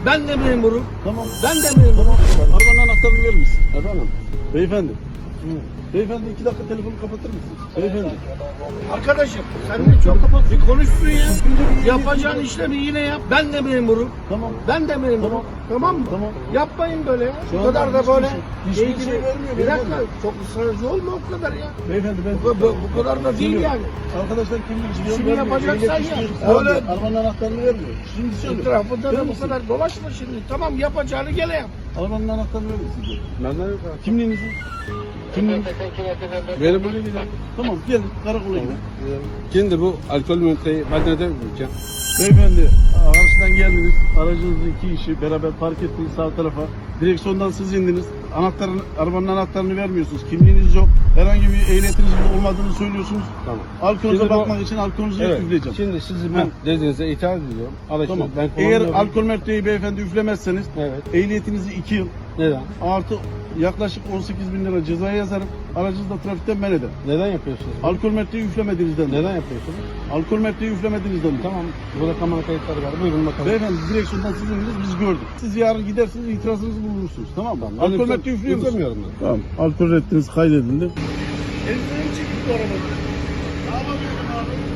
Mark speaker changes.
Speaker 1: Ben de memurum.
Speaker 2: Tamam.
Speaker 1: Ben de memurum.
Speaker 2: Arabanın anahtarını verir misin?
Speaker 1: Efendim?
Speaker 2: Beyefendi. Beyefendi 2 dakika telefonu kapatır mısınız? Beyefendi.
Speaker 1: Arkadaşım sen de çok bir konuşsun ya. Yapacağın işlemi yine yap. Ben de memurum.
Speaker 2: Tamam.
Speaker 1: Ben de memurum.
Speaker 2: Tamam.
Speaker 1: Tamam mı?
Speaker 2: Tamam.
Speaker 1: Yapmayın böyle ya.
Speaker 2: Şu
Speaker 1: Bu kadar
Speaker 2: anda
Speaker 1: da
Speaker 2: hiçbir
Speaker 1: böyle.
Speaker 2: şey- hiçbir
Speaker 1: ilgili-
Speaker 2: şey vermiyor
Speaker 1: Bir dakika.
Speaker 2: beyefendi.
Speaker 1: Çok ısrarcı olma o kadar ya.
Speaker 2: Beyefendi ben...
Speaker 1: Bu kadar da değil yani.
Speaker 2: Arkadaşlar kimlik istiyor?
Speaker 1: İşini yapacaksan yap.
Speaker 2: Öyle.
Speaker 1: Öyle.
Speaker 2: Arabanın anahtarını vermiyor. Şimdi söyle.
Speaker 1: Etrafında
Speaker 2: Verir
Speaker 1: da bu
Speaker 2: misin?
Speaker 1: kadar dolaşma şimdi. Tamam yapacağını gene yap.
Speaker 2: Arabanın anahtarını verir misin? diyor.
Speaker 3: Benden yok abi.
Speaker 2: Kimliğinizi? Kimliğinizi?
Speaker 3: Benim böyle gidelim.
Speaker 2: Tamam gelin karakola gidelim.
Speaker 3: Kimdi bu alkol üniteyi ben neden bileceğim?
Speaker 2: Beyefendi araçtan geldiniz. Aracınızı 2 kişi beraber park ettiniz sağ tarafa. Direksiyondan siz indiniz. Arabanın anahtarını vermiyorsunuz. Kimliğiniz yok. Herhangi bir ehliyetinizin olmadığını söylüyorsunuz.
Speaker 3: Tamam.
Speaker 2: Alkolünüze
Speaker 3: Şimdi bu-
Speaker 2: bakmak için alkolünüzü
Speaker 3: Evet.
Speaker 2: üfleyeceğim.
Speaker 3: Şimdi sizi ben dediğinize itaat ediyorum. Araçı
Speaker 2: Tamam.
Speaker 3: ben
Speaker 2: Eğer
Speaker 3: kullanmıyorum.
Speaker 2: alkol merteği beyefendi üflemezseniz
Speaker 3: Evet.
Speaker 2: ehliyetinizi 2 yıl
Speaker 3: Neden?
Speaker 2: artı yaklaşık 18.000 lira cezaya yazarım. Aracınızı da trafikten men ederim.
Speaker 3: Neden yapıyorsunuz?
Speaker 2: Alkol merteği üflemediğinizden.
Speaker 3: Neden yapıyorsunuz?
Speaker 2: Alkol merteği üflemediğinizden.
Speaker 3: Tamam. Burada kamera kayıtları var. Buyurun bakalım.
Speaker 2: Beyefendi direksiyondan siz indiniz biz gördük. Siz yarın gidersiniz itirazınızı bulursunuz tamam mı?
Speaker 3: Ben
Speaker 2: Alkol merteği üflüyor musunuz?
Speaker 3: üflemiyorum ben.
Speaker 2: Tamam. Alkol reddiniz kaydedildi.
Speaker 1: Elinden çıktı bu araba.
Speaker 2: Ne yapabilirim abi?